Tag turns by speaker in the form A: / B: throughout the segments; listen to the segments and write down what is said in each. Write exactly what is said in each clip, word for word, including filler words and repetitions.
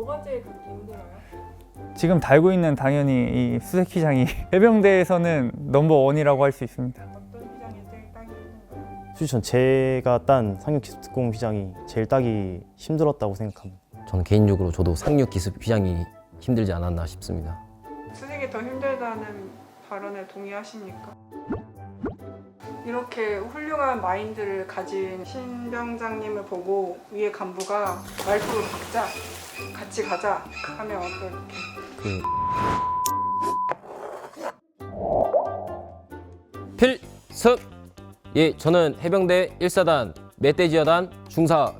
A: 뭐가 제일 그렇게 힘들어요?
B: 지금 달고 있는 당연히 이 수색 휘장이 해병대에서는 넘버원이라고 할 수 있습니다.
A: 어떤 휘장이 제일 따기 힘든가요?
C: 솔직히 전 제가 딴 상륙기습특공 휘장이 제일 따기 힘들었다고 생각합니다.
D: 저는 개인적으로 저도 상륙 기습 휘장이 힘들지 않았나 싶습니다.
A: 수색이 더 힘들다는 발언에 동의하십니까? 이렇게 훌륭한 마인드를 가진 신병장님을 보고 위에 간부가 말투를 바꾸자, 같이 가자 하면 어떨게?
D: 그 필습! 예, 저는 해병대 일 사단 멧돼지여단 중사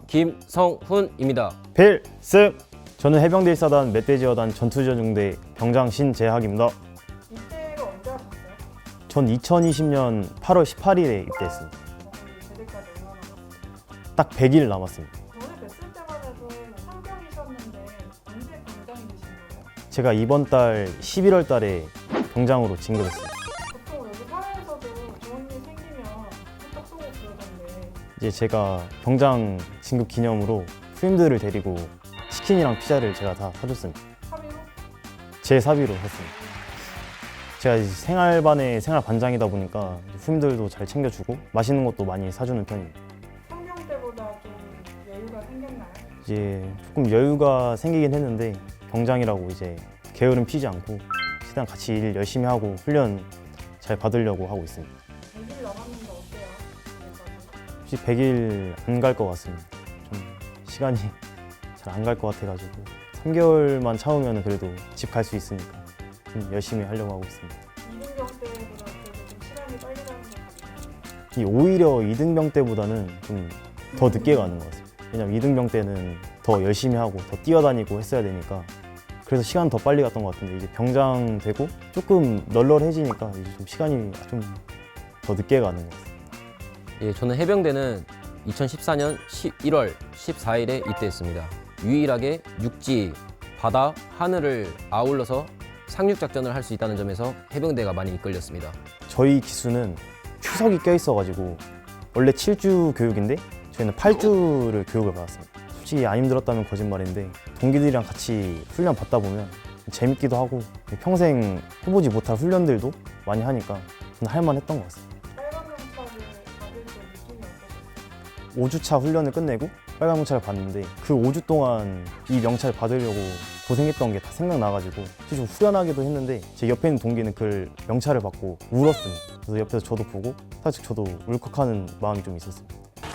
D: 김성훈입니다.
C: 필승! 저는 해병대 일 사단 멧돼지여단 전투전중대 병장 신재학입니다.
A: 입대가 언제 하셨어요?
C: 전 이천이십 년 팔월 십팔일에 입대했습니다.
A: 어, 제대까지 얼마나 남았어요?
C: 딱 백 일 남았습니다.
A: 전에 뵀을 때만 해도 상병이셨는데 언제 병장이 되신 거예요?
C: 제가 이번 달 십일월 달에 병장으로 진급했습니다.
A: 보통 여기 사회에서도 좋은 일 생기면 뚝딱 쏘고 그러던데
C: 이제 제가 병장 진급 기념으로 후임들을 데리고 치킨이랑 피자를 제가 다 사줬습니다.
A: 사비로?
C: 제 사비로 했습니다. 제가 이제 생활반의 생활반장이다 보니까 후임들도 잘 챙겨주고 맛있는 것도 많이 사주는 편입니다.
A: 상병 때보다 좀 여유가 생겼나요?
C: 이제 조금 여유가 생기긴 했는데 병장이라고 이제 게으름 피지 않고 최대한 같이 일 열심히 하고 훈련 잘 받으려고 하고 있습니다.
A: 백 일 남았는데 어때요? 지금까지?
C: 혹시 백 일 안 갈 것 같습니다. 좀 시간이 잘 안 갈 것 같아가지고 삼 개월만 참으면 그래도 집 갈 수 있으니까 좀 열심히 하려고 하고 있습니다.
A: 이등병 때보다 그래도 좀 시간이 빨리 가는 것 같아요.
C: 이 오히려 이등병 때보다는 좀 더 늦게 가는 것 같습니다. 왜냐면 이등병 때는 더 열심히 하고 더 뛰어다니고 했어야 되니까 그래서 시간 더 빨리 갔던 것 같은데 이제 병장 되고 조금 널널해지니까 이제 좀 시간이 좀 더 늦게 가는 것 같습니다.
D: 예, 저는 해병대는 이천십사 년 십일월 십사일에 입대했습니다. 유일하게 육지, 바다, 하늘을 아울러서 상륙작전을 할 수 있다는 점에서 해병대가 많이 이끌렸습니다.
C: 저희 기수는 추석이 껴있어가지고 원래 칠 주 교육인데 저희는 팔 주를 교육을 받았습니다. 솔직히 안 힘들었다면 거짓말인데 동기들이랑 같이 훈련 받다 보면 재밌기도 하고 평생 해보지 못할 훈련들도 많이 하니까 저는 할만했던 것 같습니다.
A: 빨간 명찰을 받을 때 느낌이 어떠셨어요?
C: 오 주차 훈련을 끝내고 빨간 명찰을 받는데 그 오 주 동안 이 명찰 받으려고 고생했던 게 다 생각나가지고 좀 후련하기도 했는데 제 옆에 있는 동기는 그 명찰을 받고 울었습니다. 그래서 옆에서 저도 보고 사실 저도 울컥하는 마음이 좀 있었습니다.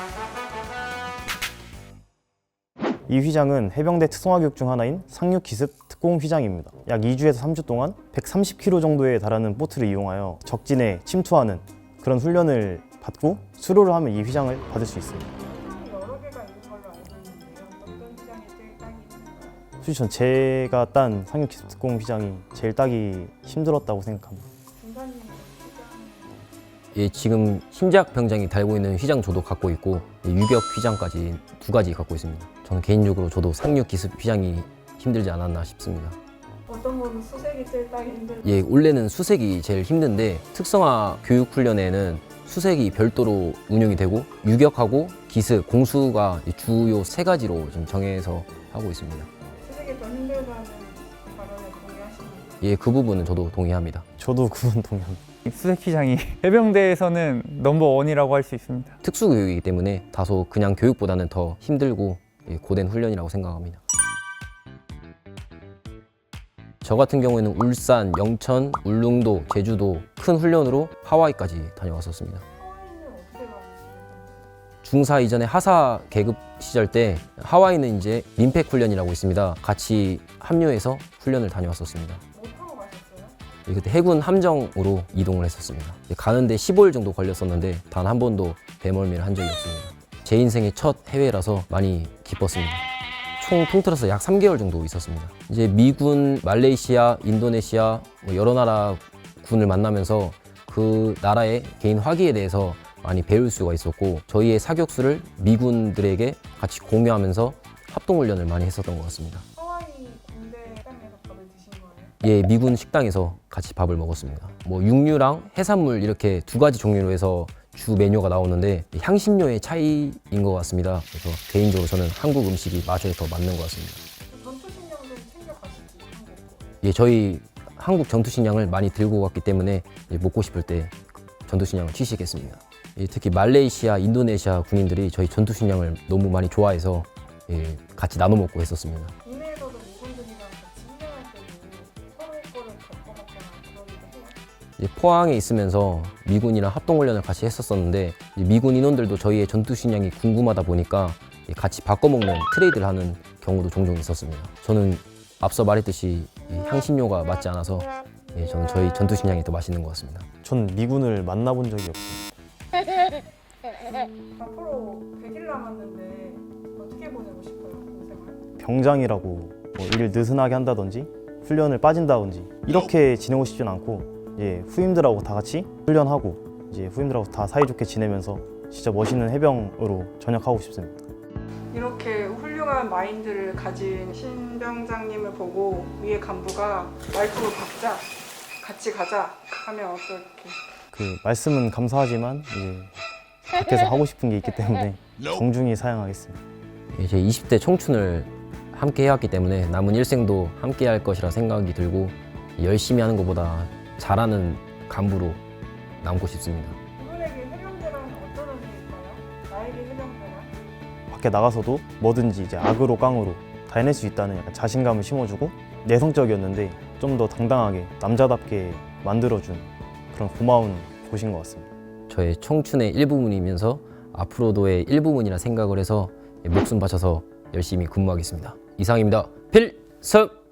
C: 이 휘장은 해병대 특성화 교육 중 하나인 상륙기습 특공 휘장입니다. 약 이 주에서 삼 주 동안 백삼십 킬로미터 정도에 달하는 보트를 이용하여 적진에 침투하는 그런 훈련을 받고 수료를 하면 이 휘장을 받을 수 있습니다.
A: 휘장이 여러 개가 있는 걸로 알고 있는데요. 어떤 휘장이 제일 따기 힘든가요?
C: 솔직히 전 제가 딴 상륙기습 특공 휘장이 제일 따기 힘들었다고 생각합니다.
A: 중사님 휘장
D: 예, 지금 신작 병장이 달고 있는 휘장 저도 갖고 있고 예, 유격 휘장까지 두 가지 갖고 있습니다. 저는 개인적으로 저도 상륙 기습 휘장이 힘들지 않았나 싶습니다.
A: 어떤 거는 수색이 제일 따기 힘들어요?
D: 예, 원래는 수색이 제일 힘든데 특성화 교육 훈련에는 수색이 별도로 운영이 되고 유격하고 기습, 공수가 주요 세 가지로 지금 정해서 하고 있습니다.
A: 수색이 더 힘들다는 발언에 동의하십니까?
D: 예, 그 부분은 저도 동의합니다.
C: 저도 그분 동의합니다.
B: 이 수색 휘장이 해병대에서는 넘버원이라고 할 수 있습니다.
D: 특수 교육이기 때문에 다소 그냥 교육보다는 더 힘들고 예, 고된 훈련이라고 생각합니다. 저 같은 경우에는 울산, 영천, 울릉도, 제주도 큰 훈련으로 하와이까지 다녀왔었습니다.
A: 하와이는 어떻게 가는지
D: 중사 이전에 하사 계급 시절 때 하와이는 이제 민팩 훈련이라고 있습니다. 같이 합류해서 훈련을 다녀왔었습니다.
A: 뭐 타고 가셨어요?
D: 예, 그때 해군 함정으로 이동을 했었습니다. 예, 가는데 십오 일 정도 걸렸었는데 단 한 번도 배멀미를 한 적이 없습니다. 제 인생의 첫 해외라서 많이 기뻤습니다. 총 통틀어서 약 삼 개월 정도 있었습니다. 이제 미군, 말레이시아, 인도네시아 뭐 여러 나라 군을 만나면서 그 나라의 개인 화기에 대해서 많이 배울 수가 있었고 저희의 사격수를 미군들에게 같이 공유하면서 합동훈련을 많이 했었던 것 같습니다.
A: 하와이 군대 식당에서 밥을 드신 거예요?
D: 예, 미군 식당에서 같이 밥을 먹었습니다. 뭐 육류랑 해산물 이렇게 두 가지 종류로 해서 주 메뉴가 나오는데 향신료의 차이인 것 같습니다. 그래서 개인적으로 저는 한국 음식이 맛에 더 맞는 것 같습니다.
A: 전투 신경 식량을 좀 챙겨가시지 한국 거.
D: 예, 저희 한국 전투식량을 많이 들고 갔기 때문에 이제 먹고 싶을 때 전투식량을 취식했습니다. 예, 특히 말레이시아, 인도네시아 군인들이 저희 전투식량을 너무 많이 좋아해서 예, 같이 나눠 먹고 했었습니다.
A: 국내에서도 미군들이랑 같이 훈련할 때도 서로 거를 겪어봤거나 그러기도 해요.
D: 이제 포항에 있으면서 미군이랑 합동훈련을 같이 했었었는데 이제 미군 인원들도 저희의 전투식량이 궁금하다 보니까 같이 바꿔먹는 트레이드를 하는 경우도 종종 있었습니다. 저는 앞서 말했듯이 이 향신료가 맞지 않아서 예, 저는 저희 전투식량이 더 맛있는 것 같습니다.
C: 전 미군을 만나본 적이 없습니다.
A: 앞으로 백 일 남았는데 어떻게 보내고 싶어요, 군생활?
C: 병장이라고 뭐 일을 느슨하게 한다든지 훈련을 빠진다든지 이렇게 지내고 싶진 않고 이제 후임들하고 다 같이 훈련하고 이제 후임들하고 다 사이좋게 지내면서 진짜 멋있는 해병으로 전역하고 싶습니다.
A: 이렇게 훌륭한 마인드를 가진 신병장님을 보고 위에 간부가 말투를 바꾸자, 같이 가자 하면 어떨게?
C: 그 말씀은 감사하지만 이제 밖에서 하고 싶은 게 있기 때문에 정중히 사양하겠습니다.
D: 예, 제 이십 대 청춘을 함께 해왔기 때문에 남은 일생도 함께 할 것이라 생각이 들고 열심히 하는 것보다 잘하는 간부로 남고 싶습니다.
A: 이분에게 해병대란 어떤 의미일까요? 나에게 해병대란?
C: 밖에 나가서도 뭐든지 이제 악으로 깡으로 다 해낼 수 있다는 약간 자신감을 심어주고 내성적이었는데 좀 더 당당하게 남자답게 만들어준 그런 고마운 곳인 것 같습니다.
D: 저의 청춘의 일부분이면서 앞으로도의 일부분이라 생각을 해서 목숨 바쳐서 열심히 근무하겠습니다. 이상입니다. 필승!